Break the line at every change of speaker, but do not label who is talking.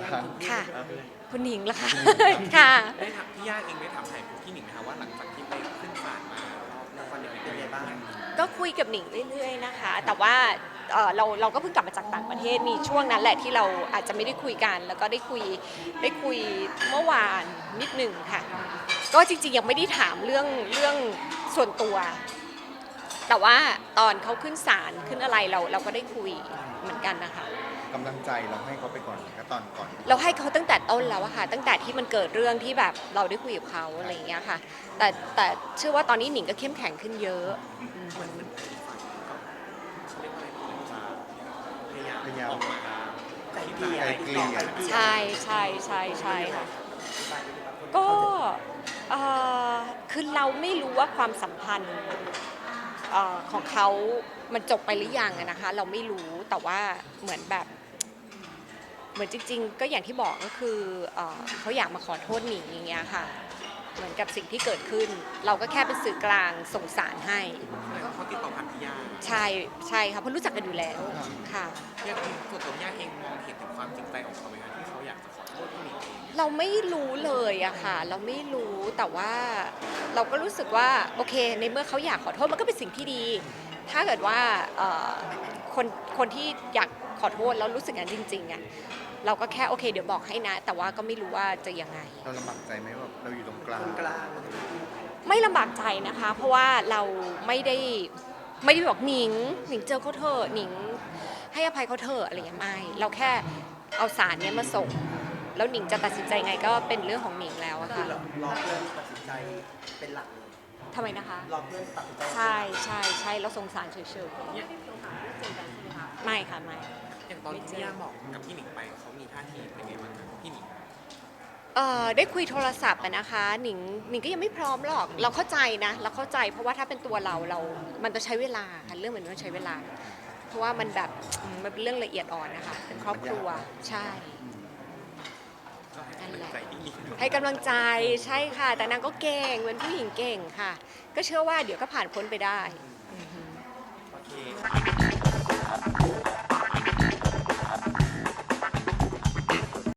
ค่ะคุณหนิงล่ะคะค่ะ
ได้ถามพี่ย่าเองได้ถามไถ่พี่หนิงไหมคะว่าหลังจากที่ไปขึ้นศาลมาแล้วตอนนี้เป็นยังไงบ้าง
ก็คุยกับหนิงเรื่อยๆนะคะแต่ว่าเราก็เพิ่งกลับมาจากต่างประเทศมีช่วงนั้นแหละที่เราอาจจะไม่ได้คุยกันแล้วก็ได้คุยเมื่อวานนิดหนึ่งค่ะก็จริงๆยังไม่ได้ถามเรื่องส่วนตัวแต่ว่าตอนเขาขึ้นศาลขึ้นอะไรเราก็ได้คุยเหมือนกันนะคะ
กำลังใจเราให้เขาไปก่อนก็ตอนก่อน
เราให้เขาตั้งแต่ต้นแล้วอะค่ะตั้งแต่ที่มันเกิดเรื่องที่แบบเราได้คุยกับเขาอะไรอย่างเงี้ยค่ะแต่เชื่อว่าตอนนี้หนิงก็เข้มแข็งขึ้นเยอะ
เหมือนเขาเรียกว่าอะไรพยายามออกมาไกลเกลี่ย
ใช่ใช่ใช่ใช่ค่ะก็คือเราไม่รู้ว่าความสัมพันธ์ของเขามันจบไปหรือยังอะนะคะเราไม่รู้แต่ว่าเหมือนแบบเหมือนจริงๆก็อย่างที่บอกก็คือเขาอยากมาขอโทษหนิงอย่างเงี้ยค่ะเหมือนกับสิ่งที่เกิดขึ้นเราก็แค่เป็นสื่อกลางส่งสารให้
แล้วก็เขาติดต่อผ่านพี่ย่า
ใช่ใช่ค่ะเพราะรู้จักกันอยู่แล้วค่ะ
ย่าส่วนตัวย่าเองมองเห็นถึงความจริงใจของเขาไหมคะที่เขาอยากจะขอโทษพี่หนิงเอง
เราไม่รู้เลยอะค่ะเราไม่รู้แต่ว่าเราก็รู้สึกว่าโอเคในเมื่อเขาอยากขอโทษมันก็เป็นสิ่งที่ดีถ้าเกิดว่าคนที่อยากขอโทษแล้วรู้สึกอย่างนั้นจริงๆอะเราก็แค่โอเคเดี๋ยวบอกให้นะแต่ว่าก็ไม่รู้ว่าจะยังไง
เราลำบากใจไหมว่าเราอยู่ตรงกลาง
ไม่ลำบากใจนะคะเพราะว่าเราไม่ได้บอกหนิงเจอเขาเถอะหนิงให้อภัยเขาเถอะอะไรอย่างเงี้ยไม่เราแค่เอาสารเนี้ยมาส่งแล้วหนิงจะตัดสินใจไงก็เป็นเรื่องของหนิงแล้วอะค่ะ
รอเพื่อนตัดสินใจเป็นหลักเลย
ทำไมนะคะ
รอเพื่อนตัดสินใจ
ใช่เราสงสารเฉยๆไม่ค่ะไม่
อย่างตอนที่พี่ย่าบอกกับพี่หนิงไปเขามีท่าทีเป็นไงบ้างคะพี่หนิง
ได้คุยโทรศัพท์อะนะคะหนิงก็ยังไม่พร้อมหรอกเราเข้าใจนะเราเข้าใจเพราะว่าถ้าเป็นตัวเรามันจะใช้เวลาค่ะเรื่องเหมือนมันใช้เวลาเพราะว่ามันแบบมันเป็นเรื่องละเอียดอ่อนนะคะเป็นครอบครัวใช่นั่นแหละให้กำลังใจใช่ค่ะแต่นางก็เก่งเป็นผู้หญิงเก่งค่ะก็เชื่อว่าเดี๋ยวก็ผ่านพ้นไปได้
โอเค